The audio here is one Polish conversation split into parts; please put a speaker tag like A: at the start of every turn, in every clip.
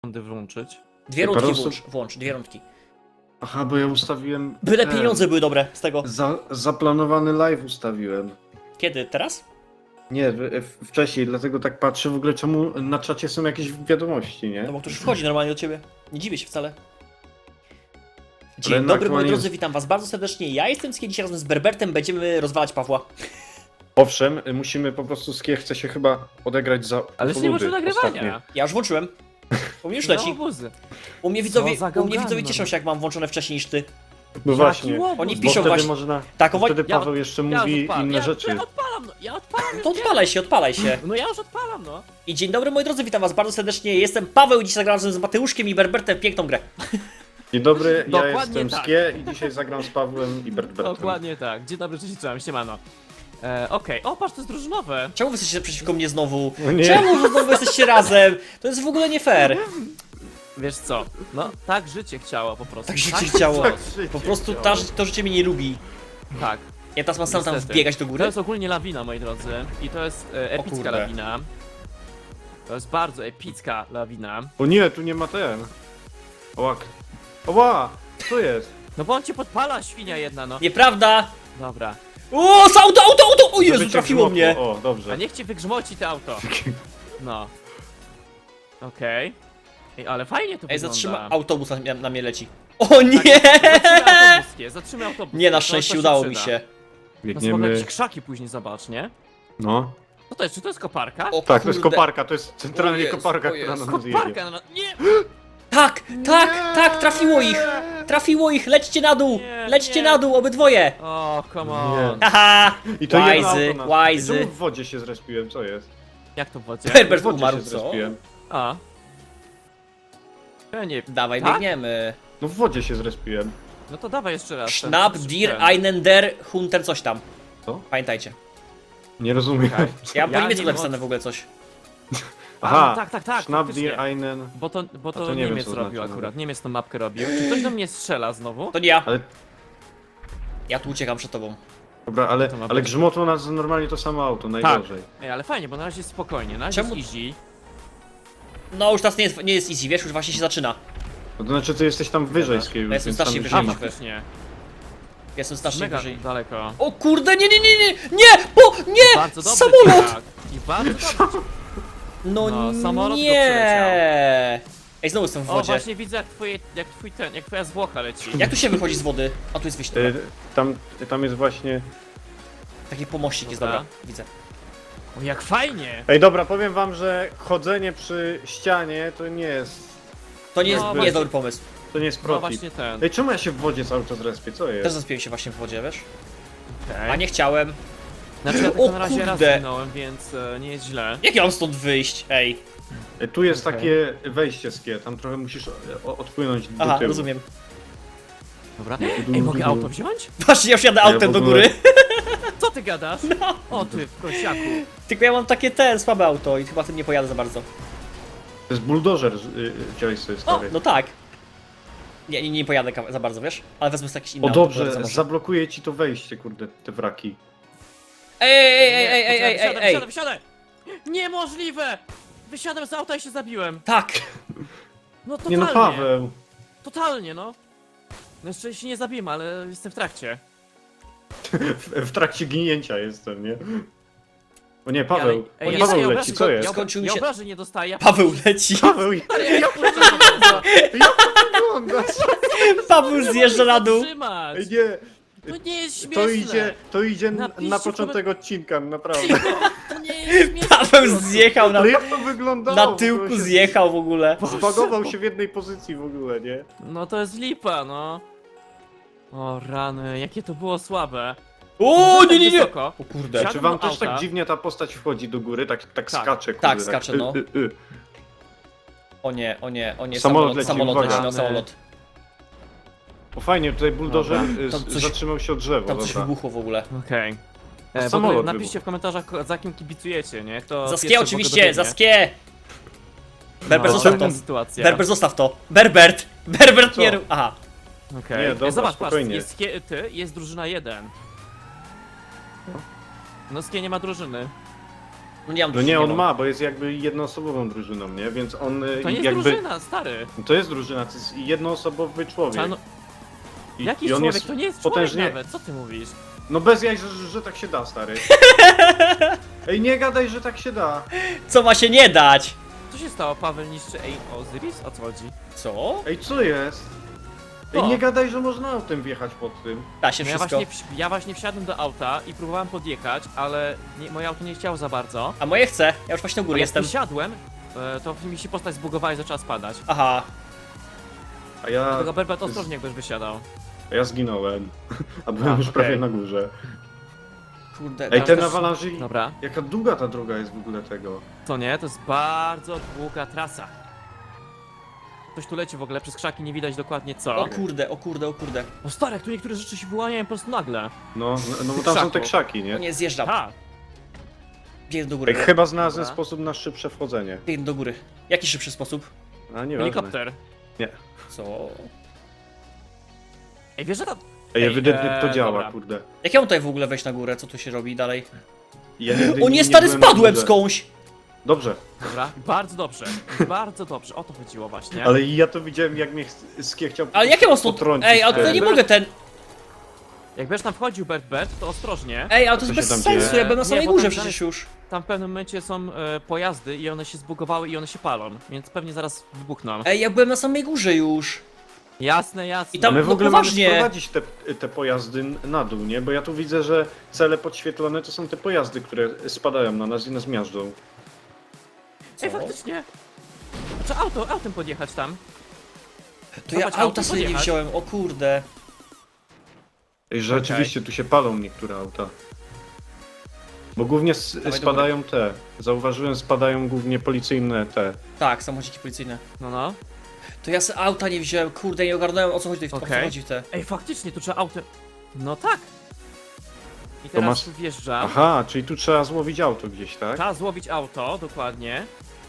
A: rundy włączyć.
B: Dwie rundki włącz, dwie rundki.
C: Aha, bo ja ustawiłem...
B: Byle pieniądze były dobre z tego.
C: Zaplanowany live ustawiłem.
B: Kiedy? Teraz?
C: Nie, wcześniej, dlatego tak patrzę w ogóle, czemu na czacie są jakieś wiadomości, nie?
B: No bo ktoś wchodzi normalnie do ciebie. Nie dziwię się wcale. Dzień
C: Ale
B: dobry, moi
C: aktualnie
B: drodzy, witam was bardzo serdecznie. Ja jestem Skie, dzisiaj razem z Berbertem będziemy rozwalać Pawła.
C: Owszem, musimy po prostu chce się chyba odegrać za
A: Ale jeszcze nie włączył nagrywania.
B: Ja już włączyłem. U mnie już
A: No,
B: leci.
A: obuzy.
B: U mnie widzowie cieszą się, jak mam włączone wcześniej niż ty.
C: No właśnie,
B: Oni
C: bo
B: piszą
C: wtedy
B: właśnie.
C: można...
B: Tak,
C: Wtedy Paweł jeszcze mówi inne rzeczy.
A: Ja odpalam, no, ja odpalam.
B: To odpalaj się.
A: No ja już odpalam, no.
B: I dzień dobry, moi drodzy, witam was bardzo serdecznie. Jestem Paweł i dzisiaj zagram razem z Mateuszkiem i Berbertem w piękną grę.
C: Dzień dobry, ja
A: Dokładnie
C: jestem
A: tak.
C: Skie i dzisiaj zagram z Pawłem i Berbertem.
A: Dokładnie tak. Dzień dobry, cześć, cześć, siemano. Okej, o patrz, to jest drużynowe.
B: Czemu wy jesteście przeciwko mnie znowu?
C: No nie.
B: Czemu wy znowu jesteście razem? To jest w ogóle nie fair.
A: Wiesz co, no tak życie chciało po prostu.
B: Tak życie chciało.
C: Tak życie
B: Po prostu
C: chciało.
B: to życie mnie nie lubi.
A: Tak.
B: Ja teraz mam sam tam
A: Niestety.
B: wbiegać do
A: To
B: góry.
A: jest ogólnie lawina, moi drodzy. I to jest epicka
B: kurde.
A: lawina. To jest bardzo epicka lawina.
C: O nie, tu nie ma ten. Ołak. Oła! Co jest?
A: No bo on cię podpala, świnia jedna, no.
B: Nieprawda!
A: Dobra.
B: O, auto! O Jezu,
C: Żeby cię
B: trafiło
C: grzmotło.
B: mnie!
C: O, dobrze.
A: A niech cię wygrzmoci to auto. No. Okej. Ej, ale fajnie to
B: Ej,
A: wygląda.
B: zatrzyma autobus na mnie leci. O nie!
A: Zatrzymaj autobus.
B: Nie, na
A: To
B: szczęście
A: się
B: udało mi
A: przyda.
B: się.
A: No słabe
C: Biegniemy.
A: jakieś krzaki później zobacz, nie?
C: No.
A: Co to jest? Czy to jest koparka?
B: O
C: Tak, to jest
B: kurde.
C: koparka, to jest centralnie
B: O Jezu,
C: koparka,
B: o
C: która
B: Jezu.
C: na nas jedzie.
A: Koparka! No, nie!
B: Trafiło ich, lećcie na dół,
A: Nie,
B: lećcie
A: nie.
B: na dół, obydwoje.
A: O, come on.
B: Haha,
C: I to jedno
B: łajzy,
C: auto nas-
B: łajzy.
C: Czemu w wodzie się zrespiłem, co jest?
A: Jak to w wodzie?
B: Herbert
C: W wodzie
B: umarł,
C: się
B: co?
C: zrespiłem.
A: A. Ja nie...
B: Dawaj,
A: Tak?
B: biegniemy.
C: No w wodzie się zrespiłem.
A: No to dawaj jeszcze raz.
B: Schnapp, dir, einen der, Hunter, coś tam.
C: Co?
B: Pamiętajcie.
C: Nie rozumiem.
A: Okej.
B: Ja mam po
A: Ja
B: niemiecku
A: nie
B: napisane w ogóle coś.
C: Aha,
A: no tak,
C: Schnapp
A: faktycznie.
C: dir einen...
A: Bo to
C: to nie wiem,
A: Niemiec
C: co
A: robił
C: znaczy,
A: akurat, Niemiec tą mapkę robił. Czy ktoś do mnie strzela znowu?
B: To nie ja.
C: Ale,
B: Ja tu uciekam przed tobą.
C: dobra, ale,
A: To ma
C: ale
A: być.
C: grzmotło nas normalnie to samo auto, najgorzej.
A: Ej, ale fajnie, bo na razie jest spokojnie, na razie
B: Czemu-
A: jest easy.
B: No już teraz nie jest easy, wiesz, już właśnie się zaczyna.
C: No to znaczy, ty jesteś tam wyżej z
B: Ja jestem
C: więc
B: strasznie
C: tam
B: wyżej.
A: A,
C: zima.
A: faktycznie.
B: Jestem strasznie
A: Mega
B: wyżej.
A: daleko.
B: O kurde, nie, nie!
A: Bardzo dobrze.
B: Samolot!
A: Tak. I bardzo dobrze.
B: No,
A: No, samolot go
B: nie! Ej, znowu jestem w
A: O,
B: wodzie.
A: właśnie widzę jak twoja zwłoka leci.
B: Jak tu się wychodzi z wody? A tu jest wyjście.
C: Y,
B: Dobra.
C: tam jest właśnie...
B: Taki pomościk jest,
A: Dobra.
B: dobra. Widzę.
A: O, jak fajnie!
C: Ej, dobra, powiem wam, że chodzenie przy ścianie to nie jest...
B: To nie jest,
A: No,
B: nie jest
A: właśnie.
B: dobry pomysł.
C: To nie jest
A: No
C: protip.
A: właśnie ten.
C: Ej, czemu ja się w wodzie cały czas respię? Co
B: Też
C: jest?
B: zaspiłem się właśnie w wodzie, wiesz?
A: Okay.
B: A nie chciałem.
A: Znaczy ja tylko
B: O
A: na razie raz
B: kurde.
A: zginąłem, więc nie jest źle.
B: Jak ja mam stąd wyjść? Ej.
C: Ej, tu jest
A: Okej.
C: takie wejście skie, tam trochę musisz odpłynąć do
B: Aha,
C: tyłu.
B: rozumiem.
A: Dobra. Ej, mogę auto wziąć?
B: Patrz, ja już jadę
C: Ja
B: autem
C: w
B: do
C: ogóle-
B: góry.
A: Co ty gadasz? O ty, prosiaku.
B: Tylko ja mam takie słabe auto i chyba tym nie pojadę za bardzo.
C: To jest buldożer, wziąłeś sobie
B: O,
C: stary.
B: no tak. Nie pojadę za bardzo, wiesz? Ale wezmę sobie jakieś inne
C: O
B: auto,
C: dobrze,
B: które może.
C: zablokuje ci to wejście, kurde, te wraki.
B: Ej.
A: Wysiadaj! Niemożliwe! Wysiadłem z auta i się zabiłem.
B: Tak.
A: No
C: Nie
A: totalnie.
C: no, Paweł.
A: Totalnie, no. No jeszcze się nie zabiłem, ale jestem w trakcie.
C: W trakcie ginięcia jestem, nie? O nie, Paweł.
A: Ej,
C: O,
A: ja
C: Paweł
A: dostaję
C: leci,
A: obrażeń,
C: co jest?
B: Skończył mi
A: Ja
B: się-
A: obrażeń nie dostaję.
B: Paweł leci.
C: Paweł, jak to wygląda?
B: Paweł zjeżdża na dół.
A: Trzymać.
C: Ej, nie,
A: To nie jest śmieszne.
C: to idzie
A: Napiszcie
C: na początek odcinka, naprawdę.
A: To nie jest śmieszne.
B: Paweł zjechał na,
C: Ale jak to wyglądało?
B: na
C: W ogóle
B: tyłku,
C: się
B: zjechał w ogóle.
C: Zbagował się w jednej pozycji w ogóle, nie?
A: No to jest lipa, no. O rany, jakie to było słabe.
B: O,
A: Tak
B: nie.
A: wysoko.
B: O kurde.
A: Siadam
C: Czy wam
A: do
C: też tak
A: auta.
C: dziwnie ta postać wchodzi do góry, tak
A: Tak.
C: skacze, kurde,
B: Tak, skacze, no. O nie,
C: Samolot
B: samolot
C: leci,
B: leci,
C: uwaga.
B: no samolot.
C: O fajnie, tutaj buldożer
A: Dobra.
B: Tam coś-
C: zatrzymał się o drzewo,
B: Tam coś
C: dobra.
B: wybuchło w ogóle.
A: Okej.
C: Samolot
A: Napiszcie
C: wybuchł.
A: w komentarzach, za kim kibicujecie, nie? Kto
B: Za
A: pierwszy
B: skie
A: w
B: oczywiście,
A: ogóle
B: za
A: dobiegnie.
B: skie! Berber,
A: No,
B: zostaw to.
A: taka sytuacja.
B: Berber, zostaw to. Berbert
C: Co?
B: nie rób. Aha.
A: Okej.
C: Nie, dobra,
A: Zobacz,
C: spokojnie.
A: patrz, jest drużyna 1. No skie nie ma drużyny.
B: No nie mam
C: No nie, on
B: mam.
C: ma, bo jest jakby jednoosobową drużyną, nie? Więc on
A: To nie jest
C: jakby...
A: drużyna, stary.
C: To jest drużyna, to jest jednoosobowy człowiek.
A: Czarno... Jakiś
C: I on
A: człowiek,
C: jest
A: to nie jest
C: potężnie...
A: człowiek nawet, co ty mówisz?
C: No bez jaj, że tak się da, stary. Ej, nie gadaj, że tak się da.
B: Co ma się nie dać?
A: Co się stało? Paweł niszczy Osiris? O co chodzi?
B: Co?
C: Ej, co jest? Ej,
A: O.
C: nie gadaj, że można autem wjechać pod tym.
B: Da się
A: No ja,
B: wszystko.
A: ja właśnie wsiadłem do auta i próbowałem podjechać, ale moje auto nie chciało za bardzo.
B: A moje chce. Ja już właśnie u góry
A: Jak
B: jestem.
A: wysiadłem, to mi się postać zbugowała i zaczęła spadać.
B: Aha.
C: A ja...
A: Dlatego Berbert ostrożnie jakbyś wysiadał.
C: A ja zginąłem. A byłem już
A: okej.
C: prawie na górze.
B: Kurde.
C: Ej,
B: teraz
C: ten
B: też-
C: awalanży...
A: Dobra.
C: Jaka długa ta droga jest w ogóle tego.
A: To nie, to jest bardzo długa trasa. Ktoś tu leci w ogóle, przez krzaki nie widać dokładnie co.
B: O kurde, o kurde, o kurde.
A: O stary, jak tu niektóre rzeczy się wyłaniają po prostu nagle.
C: No bo tam są te krzaki,
B: O
C: nie?
B: nie, zjeżdżam.
A: Ha!
B: Biegnę do
C: Ej,
B: góry.
C: chyba znalazłem
A: Dobra.
C: sposób na szybsze wchodzenie.
B: Biegnę do góry. Jaki szybszy sposób?
C: A nie
A: Helikopter.
C: Nie.
B: Co?
A: Ej, wiesz, że tam...
C: Ej, ewidentnie to
A: dobra.
C: działa, kurde.
B: Jak ja mam tutaj w ogóle wejść na górę? Co tu się robi dalej?
C: Ja nigdy
B: O nie, stary,
C: byłem na
B: spadłem
C: górze.
B: skądś!
C: Dobrze,
A: Dobra, bardzo dobrze. Bardzo dobrze, o to chodziło właśnie.
C: ale ja to widziałem, jak mnie Skie chciał
B: Ale jak ja mam stąd...
C: potrącić.
B: Ej, ale tutaj nie mogę ten...
A: Jak będziesz tam wchodził, Bert, to ostrożnie.
B: Ej, ale to
C: Co
B: jest
C: się
B: bez
C: tam dzieje?
B: sensu, ja byłem na
A: Nie,
B: samej
A: bo
B: górze
A: tam
B: przecież już.
A: Tam w pewnym momencie są pojazdy i one się zbugowały i one się palą, więc pewnie zaraz wybuchną.
B: Ej, ja byłem na samej górze już.
A: Jasne, jasne.
B: I tam-
C: My w
B: no
C: ogóle
B: poważnie.
C: mamy sprowadzić te pojazdy na dół, nie? Bo ja tu widzę, że cele podświetlone to są te pojazdy, które spadają na nas i nas miażdżą.
B: Co?
A: Ej, faktycznie. Trzeba autem podjechać tam.
B: To ja
A: Zobacz,
B: auta
A: auto
B: sobie nie
A: podjechać.
B: wziąłem, o kurde.
C: Ej, rzeczywiście tu się palą niektóre auta. Bo głównie
B: do
C: spadają te. Zauważyłem, spadają głównie policyjne te.
B: Tak, samochodziki policyjne.
A: No.
B: To ja sobie auta nie wziąłem, kurde, nie ogarnąłem o co chodzi tutaj, o co
A: Okej.
B: chodzi w te.
A: Ej, faktycznie, tu trzeba autem... No tak. I teraz
C: masz-
A: tu wjeżdżam.
C: Aha, czyli tu trzeba złowić auto gdzieś, tak?
A: Trzeba złowić auto, dokładnie.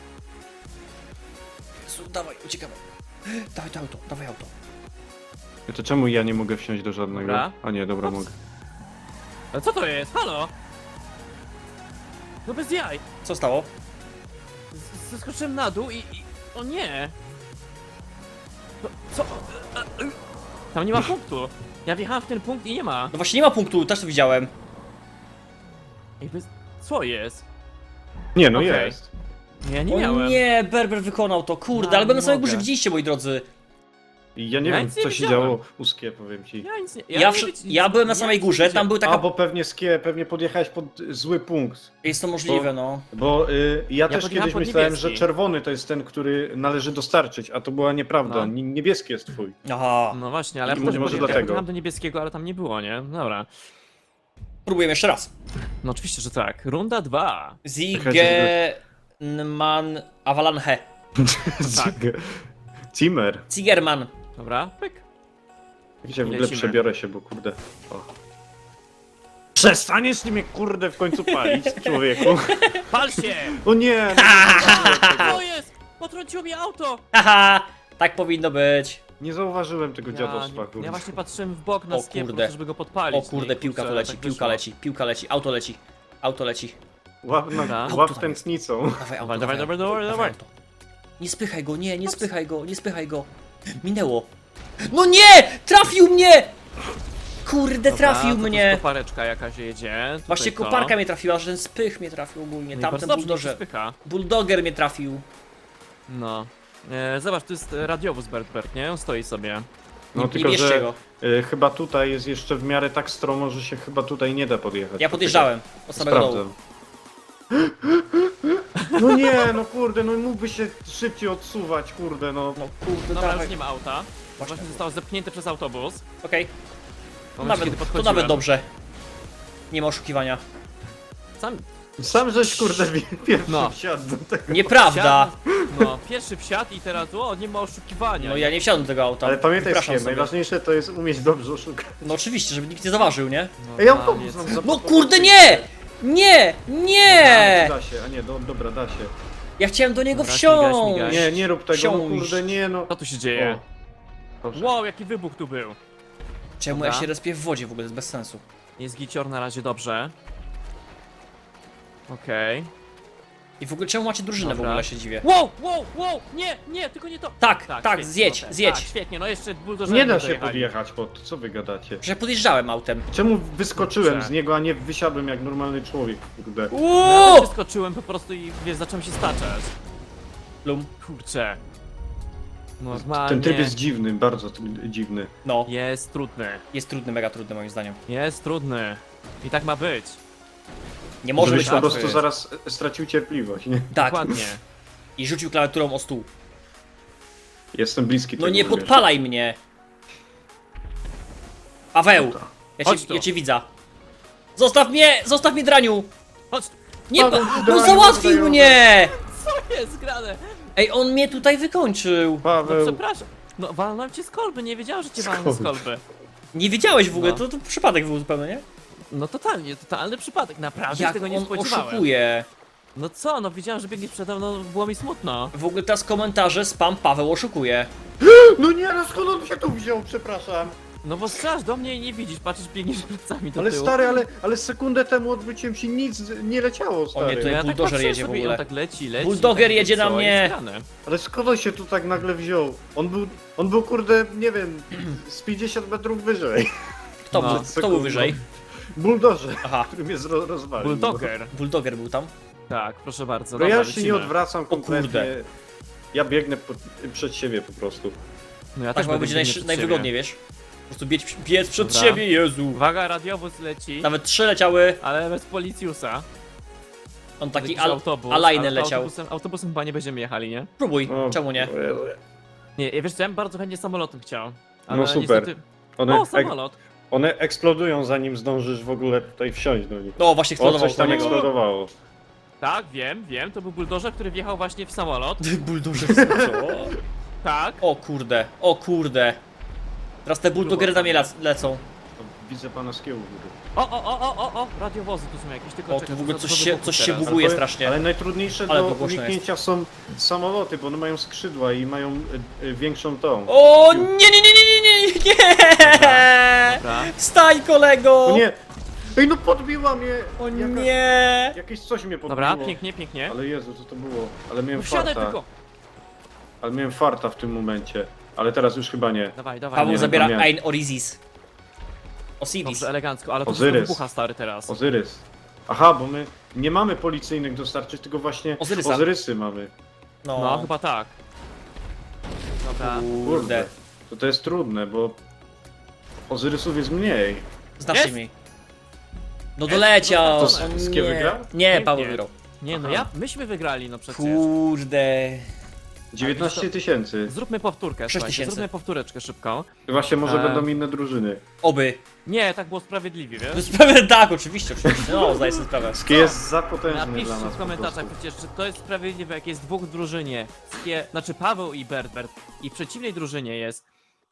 B: Dawaj, uciekamy. Dawaj to auto, dawaj auto.
C: To czemu ja nie mogę wsiąść do żadnego?
A: Dobra.
C: A nie, dobra,
A: Ops.
C: mogę.
A: Ale co to jest? Halo? No bez jaj.
B: Co stało?
A: Zeskoczyłem na dół i... O nie! No, co? Tam nie ma punktu. Ja wjechałem w ten punkt i nie ma.
B: No właśnie nie ma punktu, też to widziałem.
A: Ej, bez... Co jest?
C: Nie, no
A: Okej.
C: jest.
A: Ja nie
B: O
A: miałem.
B: nie, Berber wykonał to, kurde,
A: No,
B: ale byłem na
A: nie
B: samej
A: mogę.
B: górze, widzieliście moi drodzy.
C: I ja nie
A: Ja
C: wiem,
A: nic nie
C: co się
A: widziałem.
C: działo u Skie, powiem ci.
A: Ja nic nie...
B: Ja byłem na samej górze, tam był
C: A,
B: taka...
C: bo pewnie Skie, pewnie podjechałeś pod zły punkt.
B: Jest to możliwe, no.
C: Bo ja też
A: podjechałem
C: kiedyś
A: pod
C: myślałem,
A: niebieski.
C: że czerwony to jest ten, który należy dostarczyć, a to była nieprawda.
A: No.
C: Niebieski jest twój.
B: Aha.
A: No właśnie, ale ja
C: Może
A: wtedy
C: dlatego.
A: podjechałem do niebieskiego, ale tam nie było, nie? Dobra.
B: Próbujemy jeszcze raz.
A: No oczywiście, że tak. Runda 2.
B: Zigeman Avalanche.
A: Tak.
C: Zimmer.
B: Zigerman.
A: Dobra, pyk.
C: Jak się w ogóle
A: Lecimy.
C: przebiorę się, bo kurde. O. Przestaniesz mnie kurde w końcu palić, człowieku.
A: Pal się!
C: O nie!
A: Co jest? Potrąciło mi auto!
B: Haha, tak powinno być.
C: Nie zauważyłem tego dziadostwa, kurde.
A: Ja właśnie patrzyłem w bok na
B: O
A: skiep,
B: kurde.
A: żeby go podpalić.
B: O kurde,
A: Nie,
B: piłka
A: kurczę,
B: tu leci,
A: tak
B: piłka
A: wyszło.
B: leci, piłka leci, auto leci. Auto leci.
C: Łap,
A: Dobra.
C: łap tętnicą.
B: Dawaj auto,
A: Dawaj, dawaj,
B: auto,
A: dawaj, dawaj.
B: auto. Nie spychaj go, nie spychaj go, nie spychaj go. Minęło. No nie! Trafił mnie! Kurde,
A: Dobra,
B: trafił
A: to tu
B: mnie.
A: kopareczka jakaś jedzie. Tutaj
B: Właśnie
A: to.
B: koparka mnie trafiła, że ten spych mnie trafił ogólnie.
A: No i
B: Tamten
A: bardzo dobrze, niech się
B: buldożer.
A: spycha.
B: Bulldoger mnie trafił.
A: No. Zobacz, to jest radiowóz Bert, nie? On stoi sobie.
C: No
B: Nie
C: tylko,
B: bierzcie
C: że
B: go.
C: chyba tutaj jest jeszcze w miarę tak stromo, że się chyba tutaj nie da podjechać.
B: Ja podjeżdżałem od samego dołu.
C: Sprawdzam. No nie, no kurde, no mógłby się szybciej odsuwać, kurde, no.
B: No kurde,
A: Dobra,
B: dawaj.
A: już nie ma auta. Właśnie zostało zepchnięte przez autobus.
B: Okej,
A: W momencie, kiedy
B: to
A: podchodziłem.
B: nawet dobrze. Nie ma oszukiwania.
A: Sam
C: Sam żeś kurde pierwszy
A: No.
C: wsiadł do tego.
B: Nieprawda.
A: No, pierwszy wsiadł i teraz, nie ma oszukiwania.
B: No ja nie wsiadłem do tego auta.
C: Ale pamiętaj,
B: Wypraszam
C: Skiem,
B: sobie.
C: najważniejsze to jest umieć dobrze oszukać.
B: No oczywiście, żeby nikt nie zauważył, nie?
A: No,
C: Ej,
A: tam
C: autobus
A: jest-
C: nam
B: No
C: zapakował.
B: kurde, nie! Nie! Nie!
C: Da się, a nie, dobra, da się.
B: Ja chciałem do niego
A: Dobra,
B: wsiąść.
A: śmigać.
C: Nie, nie rób tego, no
B: Wsiąść.
C: kurde, nie no.
A: Co tu się dzieje?
C: Proszę.
A: Wow, jaki wybuch tu był.
B: Czemu
A: Dobra.
B: ja się respię w wodzie w ogóle, to jest bez sensu.
A: Jest gicior na razie dobrze. Okej.
B: I w ogóle czemu macie drużynę w
A: Dobra.
B: ogóle, się dziwię.
A: Wow, wow, wow! Nie, nie, tylko nie to!
B: Tak,
A: świetnie,
B: zjedź,
A: no,
B: zjedź.
A: Tak, świetnie, no jeszcze buldożerem
C: Nie da się
A: dojechali.
C: podjechać pod to, co wy gadacie?
B: Że podjeżdżałem autem.
C: Czemu wyskoczyłem
A: Kurczę.
C: z niego, a nie wysiadłem jak normalny człowiek, kurde?
A: No, ja
B: Uuu!
A: też skoczyłem po prostu i wiesz, zacząłem się staczać.
B: Lum.
A: Kurczę. Normalnie.
C: Ten tryb jest dziwny, bardzo dziwny.
B: No,
A: Jest trudny.
B: jest trudny, mega trudny moim zdaniem.
A: Jest trudny. I tak ma być.
B: Nie może
C: Żebyś
B: być
C: po
B: łatwy.
C: prostu zaraz stracił cierpliwość, nie?
B: Tak.
A: Dokładnie.
B: I rzucił klawiaturą o stół.
C: Jestem bliski
B: No
C: tego,
B: nie
C: wiesz.
B: podpalaj mnie! Paweł!
A: Chodź tu.
B: Ja cię widzę. Zostaw mnie, draniu!
A: Chodź,
B: Nie,
C: Paweł,
B: no
C: draniu,
B: załatwił
C: wydają-
B: mnie!
A: co jest grane?
B: Ej, on mnie tutaj wykończył.
A: No
C: Paweł,
A: przepraszam. No walnąłem cię z kolby, nie wiedziałem, że cię walnę z
C: Skąd?
A: kolby.
B: Nie wiedziałeś w ogóle,
A: No.
B: to przypadek był zupełnie, nie?
A: No totalnie, totalny przypadek, naprawdę się
B: Jak
A: tego nie
B: on
A: spodziewałem.
B: oszukuje.
A: No co, no widziałem, że biegniesz przede mną, było mi smutno.
B: W ogóle teraz komentarze spam Paweł oszukuje.
C: no nie, no skąd on się tu wziął, przepraszam.
A: No bo strzelasz do mnie i nie widzisz, patrzysz, biegniesz plecami do
C: Ale
A: tyłu.
C: stary, ale sekundę temu odwróciłem się, nic nie leciało, stary.
B: nie, to
A: No
B: ja-
A: ja tak
B: buldożer
A: patrzę
B: jedzie w
A: sobie i
B: ogóle.
A: on tak leci.
B: Bulldoger
A: tak,
B: jedzie na
A: co
B: mnie.
A: jest grane?
C: Ale skąd on się tu tak nagle wziął? On był kurde, nie wiem, z 50 metrów wyżej.
B: Kto,
A: No.
B: był, kto był wyżej?
C: Buldożer,
B: Aha,
C: który mnie rozwalił.
A: Bulldoger.
B: Bulldoger był tam.
A: Tak, proszę bardzo.
C: No
A: dobra,
C: ja się nie
A: lecimy.
C: odwracam kompletnie.
B: kurde.
C: Ja biegnę przed siebie po prostu.
A: No ja
B: Tak
A: też
B: ma być
A: będę biegnie przed
B: najwygodniej,
A: siebie.
B: wiesz? Po prostu biec przed
A: Dobra.
B: siebie, Jezu.
A: Uwaga, radiowóz leci,
B: Nawet 3 leciały,
A: ale bez policjusa.
B: on taki
A: Jakiś autobus.
B: alajny leciał.
A: Autobusem chyba nie będziemy jechali, nie?
B: Próbuj,
C: O,
B: czemu nie?
C: o Jezu.
A: Nie, wiesz co, ja bym bardzo chętnie samolotem chciał. Ale
C: No super.
A: Niestety...
C: One,
A: O, samolot!
C: one eksplodują zanim zdążysz w ogóle tutaj wsiąść do nich.
B: No właśnie
C: O,
B: eksplodował
C: coś tam
B: po niego.
C: eksplodowało.
A: Tak, wiem, to był buldożer, który wjechał właśnie w samolot.
B: Bulldozer, co?
A: Tak.
B: O kurde. Teraz te bulldogery na mnie lecą.
C: To widzę pana z kiełu.
A: O, radiowozy tu są jakieś, tylko
B: O, tu
A: czekaj,
B: w ogóle
A: za
B: coś
A: dużo
B: się-
A: wybuchów
B: coś się
A: teraz.
B: buguje. strasznie.
C: Ale najtrudniejsze
B: Ale
C: do
B: to głośno
C: uniknięcia są samoloty, bo one mają skrzydła i mają większą tą.
B: O nie!
A: Dobra.
B: Wstań, kolego!
C: O nie! Ej, no podbiła mnie!
B: O
C: Jaka-
B: nie!
C: Jakieś coś mnie podbiło.
A: Dobra, pięknie.
C: Ale Jezu, co to było? Ale miałem
A: No wsiadaj
C: farta.
A: tylko!
C: Ale miałem farta w tym momencie. Ale teraz już chyba nie.
A: Dawaj.
B: Paweł
C: nie,
B: zabiera
C: nie.
B: Ein Orisis. Osiris.
A: Dobrze, elegancko, ale to
C: Ozyrys.
A: wszystko wybucha stary teraz.
C: Ozyrys. Aha, bo my nie mamy policyjnych dostarczyć, tylko właśnie
B: Ozyrysa.
C: Ozyrysy mamy.
A: No, chyba tak. Dobra.
B: Kurde.
C: To jest trudne, bo Ozyrysów jest mniej.
B: Znacznie
A: Jest?
B: mi. No doleciał!
A: To
B: O
C: z
B: nie.
C: kim wygrał?
B: Nie, Paweł
A: Pięknie.
B: wygrał.
A: Nie no, myśmy wygrali, no przecież.
B: Kurde.
C: 19 tysięcy.
A: Zróbmy powtórkę,
B: 6
A: słuchajcie,
B: 000.
A: zróbmy powtóreczkę szybką.
C: Właśnie może
A: Eee.
C: będą inne drużyny.
B: Oby.
A: Nie, tak było sprawiedliwie, wiesz?
B: Tak, oczywiście. No, zdaję sobie sprawę.
C: Skie jest za potężny dla
A: Napiszcie
C: nas
A: w
C: po
A: komentarzach
C: prostu.
A: przecież, czy to jest sprawiedliwe, jak jest dwóch w drużynie. Znaczy Paweł i Bert. I w przeciwnej drużynie jest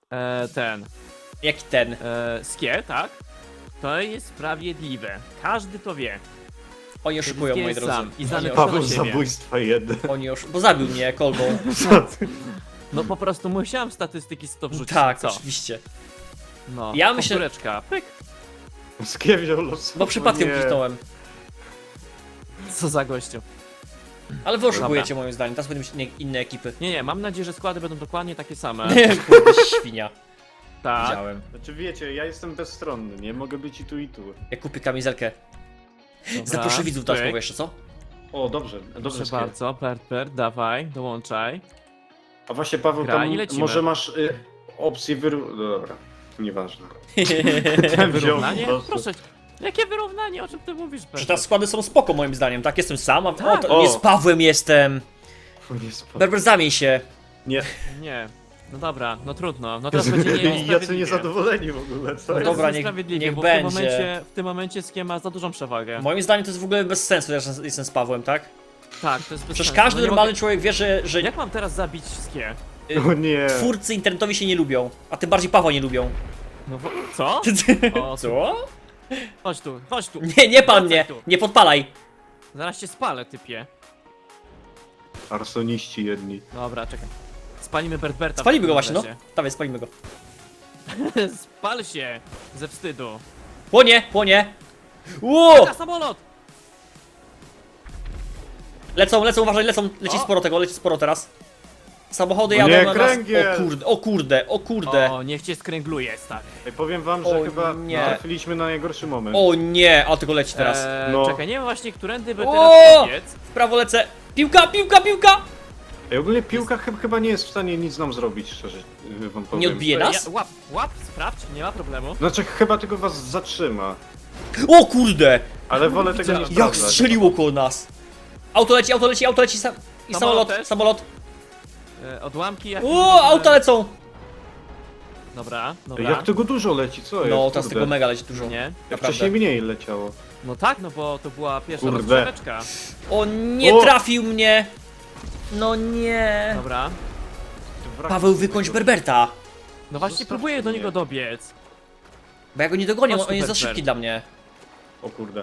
B: Jaki ten?
A: Skie, tak? To jest sprawiedliwe. Każdy to wie.
B: Oni oszukują,
A: Skie
B: moi
A: jest
B: drodzy.
A: sam i znany
B: Oni
A: Paweł
C: Paweł
A: do siebie.
C: zabójstwa jeden.
B: Bo zabił mnie kolbą.
A: No po prostu musiałem statystyki z to wrzucić.
B: Tak,
A: co?
B: oczywiście.
A: No,
B: Ja myślę-
A: powtóreczka, pyk.
C: Skie wziął los.
B: Bo przypadkiem
C: Nie.
B: kliknąłem.
A: Co za gościu.
B: Ale wy oszukujecie moim zdaniem, teraz będą inne ekipy.
A: Nie, mam nadzieję, że składy będą dokładnie takie same.
B: Kurde, świnia.
A: Tak.
B: Widziałem.
C: Znaczy wiecie, ja jestem bezstronny, nie mogę być i tu i tu.
B: Ja kupię kamizelkę.
A: Dobra,
B: Zaproszę widzów do
A: pyk.
B: słowa jeszcze, co?
C: O, dobrze, dobrze.
A: Proszę
C: Skie.
A: bardzo, Bert, dawaj, dołączaj.
C: A właśnie Paweł,
A: Gra i
C: tam
A: lecimy.
C: może masz opcję Dobra, nieważne. Ten wziął
A: Wyrównanie?
C: po prostu.
A: Proszę cię. Jakie wyrównanie? O czym ty mówisz,
B: Że
A: Bert?
B: te składy są spoko moim zdaniem, tak? Jestem sam, a
A: Tak.
B: nie z Pawłem jestem.
C: O, nie spadł.
B: Berber, zamień się.
C: Nie,
A: Nie. No dobra, no trudno. No teraz będzie
C: jacy
A: niesprawiedliwie.
C: niezadowoleni w ogóle, co
A: No
C: jest?
A: dobra,
B: niech-
A: niesprawiedliwie,
B: niech
A: bo
B: będzie.
A: w tym momencie Skie ma za dużą przewagę.
B: Moim zdaniem to jest w ogóle bez sensu, że jestem z Pawłem, tak?
A: Tak, to jest bez
B: Przecież
A: sensu.
B: każdy
A: No nie
B: normalny człowiek wie, że
A: mogę... Jak mam teraz zabić Skie?
C: O nie.
B: twórcy internetowi się nie lubią, a tym bardziej Pawła nie lubią.
A: No co? O,
B: Co?
A: Chodź tu.
B: Nie pan
A: Wracaj
B: mnie,
A: tu.
B: nie podpalaj.
A: Zaraz cię spalę, typie.
C: Arsoniści jedni.
A: Dobra, czekaj. Spalimy Berta.
B: Spalimy go właśnie, no.
A: no.
B: Dawaj, spalimy go.
A: Spal się ze wstydu.
B: Płonie, płonie. Ło!
A: Na samolot!
B: Lecą, uważaj, leci
A: O!
B: sporo tego, leci sporo teraz. Samochody
C: O
B: jadą
C: nie,
B: na nas.
C: kręgiel!
B: O kurde.
A: O, niech cię skręgluje, stary.
C: Ej, powiem wam, że
B: O
C: chyba
B: nie.
C: trafiliśmy na najgorszy moment.
B: O nie, a tylko leci teraz.
C: No.
A: Czekaj, nie wiem właśnie, którędy by
B: O!
A: teraz pobiec.
B: W prawo lecę. Piłka!
C: Ej, ogólnie piłka chyba nie jest w stanie nic nam zrobić, szczerze wam powiem.
B: Nie odbije nas?
A: Łap, sprawdź, nie ma problemu.
C: Znaczy, chyba tylko was zatrzyma.
B: O kurde!
C: Ale wolę tego nie
B: Jak
C: sprawdzać.
B: strzeliło koło nas. Auto leci i
A: Samolot też?
B: samolot.
A: Odłamki jak...
B: O, auta lecą!
A: Dobra.
C: Ej, jak tego dużo leci, co jest?
B: No, teraz
C: Kurde.
B: tego mega leci dużo.
A: Nie?
C: Jak
B: Naprawdę.
C: wcześniej mniej leciało.
A: No tak, no bo to była pierwsza
C: Kurde.
A: rozgrzeweczka.
B: O nie,
C: O!
B: trafił mnie! No nie.
A: Dobra.
B: Paweł, wykończ Berberta.
A: No właśnie
C: Zostawcie
A: próbuję do
C: mnie.
A: niego dobiec.
B: Bo ja go nie dogonię,
A: Chodź tu,
B: on jest za
A: Berber.
B: szybki dla mnie.
C: O kurde.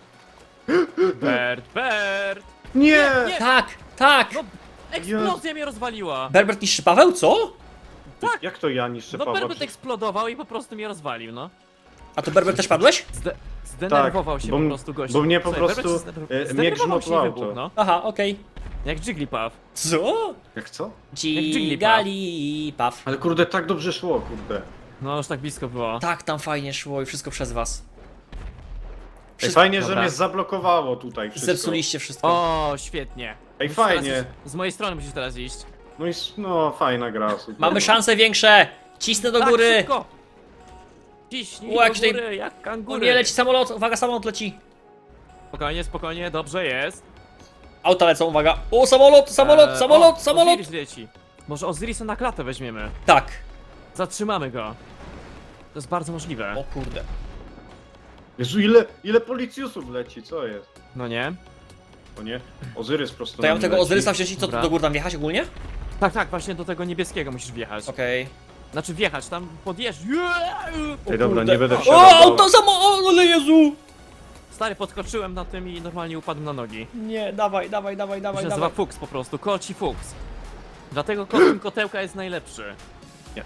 A: Bert!
C: Nie!
A: Nie!
B: Tak!
A: No, eksplozja mnie rozwaliła!
B: Berbert niszczy Paweł, co?
A: tak.
C: Jak to ja niszczę
A: No
C: Pawła?
A: Berbert eksplodował i po prostu mnie rozwalił, no.
B: A to Berbert też padłeś?
A: Zdenerwował się
C: bo
A: po
C: m-
A: prostu gościu.
C: bo mnie po
A: Słuchaj,
C: prostu,
A: Berbert się
C: mnie
A: zdenerwował
C: grzmotło
A: się i
C: auto.
A: wybuchł, no.
B: Aha, okej.
A: Jak Jigglypuff.
B: Co?
C: Jak co?
B: Dzigali, paw.
C: Ale kurde, tak dobrze szło, kurde.
A: No już tak blisko było.
B: Tak, tam fajnie szło i wszystko przez was.
C: Ej,
B: Wszystko-
C: fajnie,
A: dobra.
C: że mnie zablokowało tutaj wszystko.
B: Zepsuliście wszystko.
A: O, świetnie.
C: Ej,
A: Musisz
C: fajnie.
A: teraz z mojej strony musisz teraz iść.
C: No i no, fajna gra, super.
B: Mamy szanse większe! Cisnę do
A: Tak,
B: góry!
A: szybko! Ciśnij
B: O, jak
A: do
B: tutaj-
A: góry, jak
B: O
A: kangury.
B: nie, leci samolot, uwaga, samolot leci.
A: Spokojnie, spokojnie, dobrze jest.
B: Auta lecą, uwaga. O, samolot!
A: Osiris leci. Może Osirisa na klatę weźmiemy.
B: Tak.
A: Zatrzymamy go. To jest bardzo możliwe.
B: O kurde.
C: Jezu, ile policjusów leci, co jest?
A: No nie?
C: O nie? Ozyrys prosto
B: To ja
C: na
B: mam
C: mnie
B: tego
C: leci.
B: Ozyrysa wziąć i co,
A: Dobra.
B: do góry tam wjechać ogólnie?
A: Tak, tak, właśnie do tego niebieskiego musisz wjechać.
B: Okej.
A: Znaczy wjechać, tam podjeżdż.
C: Ej, dobra,
B: kurde.
C: nie będę
B: O,
C: wsiadał.
B: auto o, ale Jezu!
A: Stary, podskoczyłem na tym i normalnie upadłem na nogi.
B: Nie, dawaj.
A: To się nazywa Fuchs po prostu, kolci Fuchs. Dlatego kostium kotełka jest najlepszy.
C: Nie.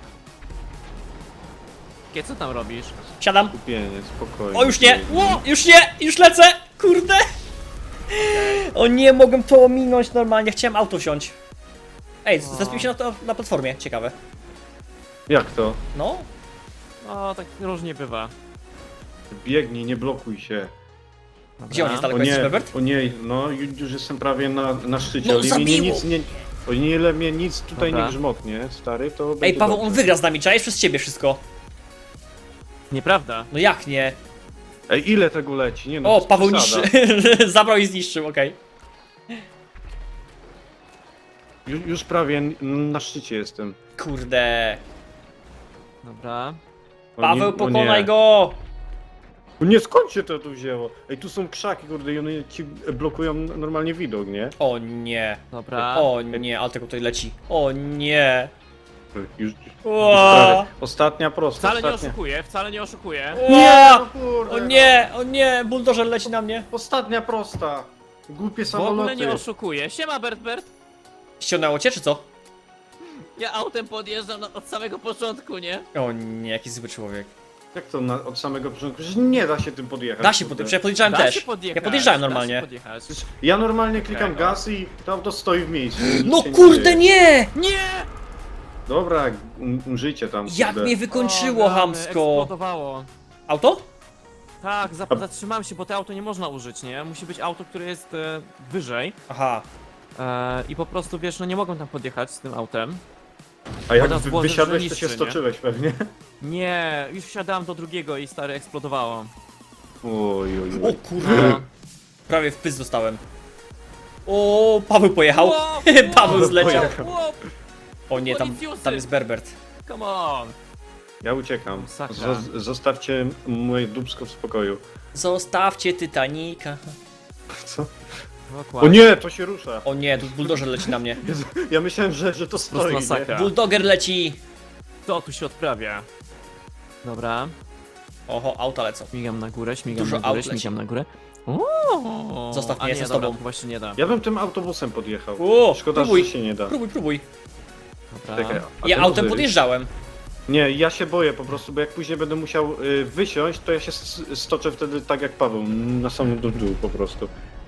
A: Co tam robisz?
B: Siadam.
C: Kupienie, spokojnie.
B: O, już nie! Już lecę! Kurde! O nie, mogłem to ominąć normalnie, chciałem auto wsiąść. Ej, zespił się na platformie, ciekawe.
C: Jak to?
B: No,
A: O, tak różnie bywa.
C: Biegnij, nie blokuj się.
A: Dobra.
B: Gdzie on jest
C: O
B: daleko, jest
C: nie,
B: Berbert?
C: o nie, no już jestem prawie na szczycie.
B: No,
C: ale mnie
B: zabiło!
C: nic nie... O ile mnie nic tutaj
A: Dobra.
C: nie grzmotnie, stary, to
B: Ej,
C: będzie
B: Paweł,
C: dobrze.
B: on wygra z nami, czaisz przez ciebie wszystko.
A: Nieprawda.
B: No jak nie?
C: Ej, ile tego leci? Nie no, to
B: O,
C: jest
B: Paweł
C: przesada.
B: niszczy. Zabrał i zniszczył, okej.
C: Już prawie na szczycie jestem.
B: Kurde.
A: Dobra.
C: O
B: Paweł,
C: nie, o
B: pokonaj
C: nie.
B: go!
C: O nie, skąd się to tu wzięło? Ej, tu są krzaki, kurde, i one ci blokują normalnie widok, nie?
B: O nie.
A: Dobra.
B: O nie, ale tego tutaj leci. O nie.
C: Już
B: Ła.
C: prawie. Ostatnia prosta,
A: Wcale nie
C: ostatnia.
A: oszukuję, wcale nie oszukuję.
B: Ła.
C: no kurde,
B: O nie, buldożer leci na mnie.
C: Ostatnia prosta. Głupie
A: W ogóle
C: samoloty.
A: nie oszukuję. Siema Bert.
B: Ściągnęło cię, czy co?
A: Ja autem podjeżdżam od samego początku, nie?
B: O nie, jaki zły człowiek.
C: Jak to od samego początku? Przecież nie da się tym podjechać.
B: Da się
C: kurde.
B: podjechać, ja podjeżdżałem
A: Da
B: też.
A: się podjechać,
B: Ja podjeżdżałem
A: da
B: normalnie.
A: się podjechać.
C: Ja normalnie klikam
A: Okej, no.
C: gaz i to auto stoi w miejscu.
B: No
C: Nic się
B: kurde,
C: dzieje.
B: nie!
A: Nie!
C: Dobra, żyjcie tam.
B: Jak
C: kurde.
B: mnie wykończyło
A: O, rany,
B: hamsko.
A: eksplodowało.
B: Auto?
A: Tak, zatrzymałem się, bo to auto nie można użyć, nie? Musi być auto, które jest wyżej.
B: Aha.
A: I po prostu, wiesz, no nie mogą tam podjechać z tym autem.
C: A jak
A: Woda z włosów,
C: wysiadłeś,
A: że
C: to się
A: niszczy, nie?
C: stoczyłeś pewnie.
A: Nie, już wsiadałem do drugiego i stary eksplodowało.
C: Oj, oj,
B: O
C: oj.
B: kurde.
A: No.
B: Prawie w pysk dostałem. O, Paweł pojechał.
A: Wow,
B: Paweł
A: wow,
B: zleciał.
A: wow,
B: O nie,
A: Policjusy.
B: tam jest Berbert.
A: come on.
C: Ja uciekam.
A: Masakra.
C: Zostawcie moje dubsko w spokoju.
B: Zostawcie Titanica.
C: Co?
A: Dokładnie.
C: O nie, to się rusza.
B: O nie, tu buldożer leci na mnie.
C: Jezu, ja myślałem, że to
A: Po prostu
C: stoi. Nie?
A: masakra.
B: Bulldoger leci.
A: Co tu się odprawia? Dobra,
B: Oho, auta lecą.
A: śmigam na górę, śmigam
B: Dużo
A: na górę,
B: aut leci.
A: śmigam na górę. O,
B: Zostaw
A: a
B: mnie,
A: nie,
B: jestem z
A: dobra,
B: tobą.
A: właśnie nie da.
C: Ja bym tym autobusem podjechał.
B: O,
C: Szkoda,
B: próbuj.
C: że się nie da.
B: Próbuj.
A: Dobra.
C: Czekaj, a
B: Ja
C: ten
B: autem
C: Ozyrys?
B: podjeżdżałem.
C: Nie, ja się boję po prostu, bo jak później będę musiał wysiąść, to ja się stoczę wtedy tak jak Paweł, na samym dół po prostu.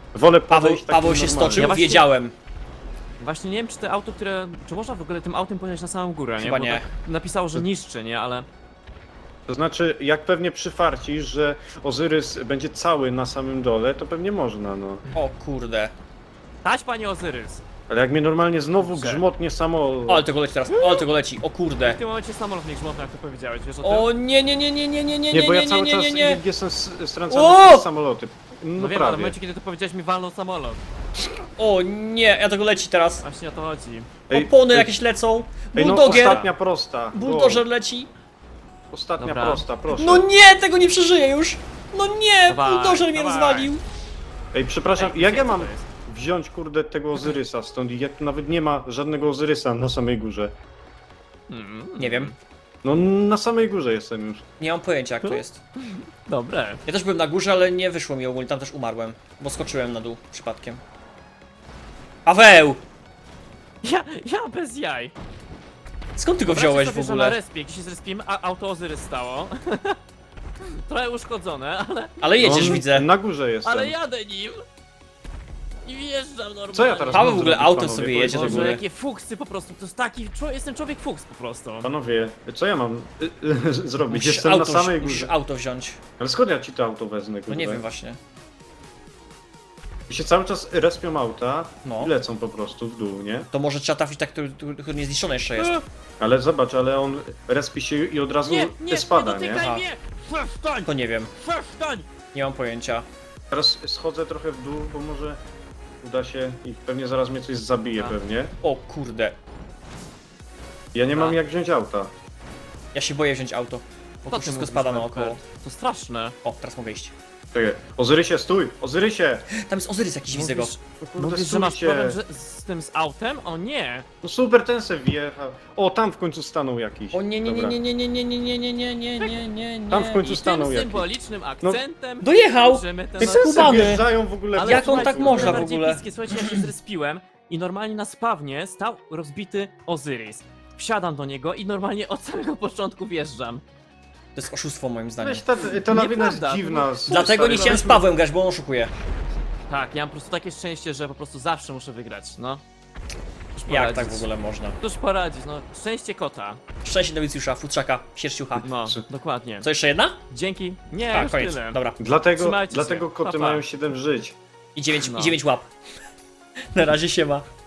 C: Wolę
B: Paweł,
C: podejść takim
B: Paweł się
C: normalnie.
B: stoczył,
A: Ja właśnie-
B: wiedziałem.
A: Właśnie nie wiem, czy te auto, które... Czy można w ogóle tym autem pojechać na samą górę, nie?
B: Chyba
A: Bo
B: nie.
A: tak napisało, że niszczy, nie? Ale...
C: To znaczy, jak pewnie przyfarcisz, że Ozyrys będzie cały na samym dole, to pewnie można, no.
B: O kurde.
A: Taś, panie Ozyrys!
C: Ale jak mnie normalnie znowu
A: Dobrze.
C: grzmotnie samolot...
B: O, ale tego leci teraz, o, ale tego leci, o kurde.
A: W tym momencie samolot mnie grzmotny, jak to powiedziałeś, wiesz o tym?
B: O nie, nie, nie, nie, nie, nie, nie,
C: Nie, bo ja
B: nie,
C: cały
B: nie,
C: czas
B: nie, nie.
C: jestem stracony
B: O!
C: przez samoloty. No
A: No wiem, ale w
C: prawie.
A: momencie, kiedy to powiedziałeś, mi walnął samolot.
B: O nie, ja tego leci teraz.
A: Właśnie o to chodzi.
B: Opony jakieś lecą.
C: Ej, no
B: Bulldoger.
C: ostatnia prosta.
B: Bulldozer leci.
C: Ostatnia
A: Dobra.
C: prosta, proszę.
B: No nie, tego nie przeżyję już. No nie,
A: Dawaj,
B: bulldozer mnie
A: dawaj.
B: rozwalił.
C: Ej, przepraszam,
A: Ej,
C: jak
A: gdzie
C: ja
A: to
C: mam
A: jest?
C: wziąć, kurde, tego Ozyrysa stąd? Jak tu nawet nie ma żadnego Ozyrysa na samej górze.
B: Nie wiem,
C: No, na samej górze jestem już.
B: nie mam pojęcia jak to jest.
A: Dobre.
B: Ja też byłem na górze, ale nie wyszło mi ogólnie, tam też umarłem. Bo skoczyłem na dół przypadkiem. Paweł!
A: Ja bez jaj.
B: Skąd ty go
A: Wyobraźcie
B: wziąłeś
A: sobie,
B: w
A: że na
B: ogóle?
A: respie, gdzie się zrespiłem, a auto Ozyrys stało. Trochę uszkodzone,
B: Ale jedziesz,
C: No,
B: widzę.
C: Na górze jestem.
A: ale jadę nim. I wjeżdżam normalnie.
C: Co ja teraz
B: Paweł
C: mam
B: w ogóle
C: zrobić,
B: autem
C: panowie?
B: sobie jedzie do
C: Powiedzcie
A: Boże,
B: góry.
A: jakie fuksy po prostu, to jest taki, jestem człowiek fuks po prostu.
C: mi. Panowie, co ja mam zrobić?
B: Musisz
C: Jestem na
B: auto,
C: samej
B: musisz
C: górze.
B: auto wziąć.
C: Ale skąd ja ci to auto wezmę,
B: No
C: kurde?
B: nie wiem właśnie.
C: I się cały czas respią auta
B: No.
C: i lecą po prostu w dół, nie?
B: To może trzeba trafić tak, który nie zniszczony jeszcze jest.
C: Ale zobacz, ale on respi się i od razu
A: Nie
C: spada, nie?
A: dotykaj
B: Aha.
A: mnie! Przestań!
B: To nie wiem,
A: Przestań!
B: nie mam pojęcia.
C: Teraz schodzę trochę w dół, bo może uda się i pewnie zaraz mnie coś zabije
A: A.
C: pewnie.
B: O kurde,
C: Ja nie mam
A: A.
C: jak wziąć auta.
B: ja się boję wziąć auto. Bo
A: Co
B: tu
A: ty
B: wszystko
A: mówisz,
B: spada
A: Norbert?
B: naokoło.
A: To straszne.
B: O, teraz mogę iść.
C: Czekaj, Ozyrysie, stój! Ozyrysie!
B: Tam jest Ozyrys jakiś, widzę go.
C: No kurde,
A: Mówisz, że masz
C: stójcie.
A: problem z tym z autem? O nie!
C: No super, ten se wjechał. O, tam w końcu stanął jakiś.
B: O nie, nie, nie,
C: Dobra.
B: nie, nie, nie, nie, nie, nie, nie, nie, nie, nie, nie, nie.
C: Tam w końcu
A: I
C: stanął
A: tym
C: jakiś.
A: symbolicznym akcentem
B: Dojechał!
A: kończymy ten
B: Ty
A: odcinek.
B: co?
C: Se
B: Skubany.
C: wjeżdżają w ogóle.
A: Ale
B: Jak on
A: słuchajcie,
B: tak można w
A: najbardziej
B: ogóle?
A: bliskie, słuchajcie, ja się zrespiłem i normalnie na spawnie stał rozbity Ozyrys. Wsiadam do niego i normalnie od samego początku wjeżdżam.
B: To jest oszustwo moim zdaniem.
C: Weź, ta lawina jest
A: Nieprawda.
C: dziwna.
B: Dlatego nie chciałem z Pawłem grać, bo on oszukuje.
A: Tak, ja mam po prostu takie szczęście, że po prostu zawsze muszę wygrać, no. Cóż
B: Jak
A: poradzić?
B: tak w ogóle można?
A: Cóż poradzić, no. Szczęście kota.
B: Szczęście Nowicjusza, futrzaka, sierściucha.
A: No,
C: Czy-
A: dokładnie.
B: Co, jeszcze jedna?
A: Dzięki. Nie,
B: Tak,
A: już
B: koniec.
A: tyle.
B: Dobra.
C: Dlatego
A: Trzymajcie się.
C: koty
A: Pa, pa.
C: mają 7 żyć.
B: I 9,
A: No.
B: i 9 łap. Na razie siema.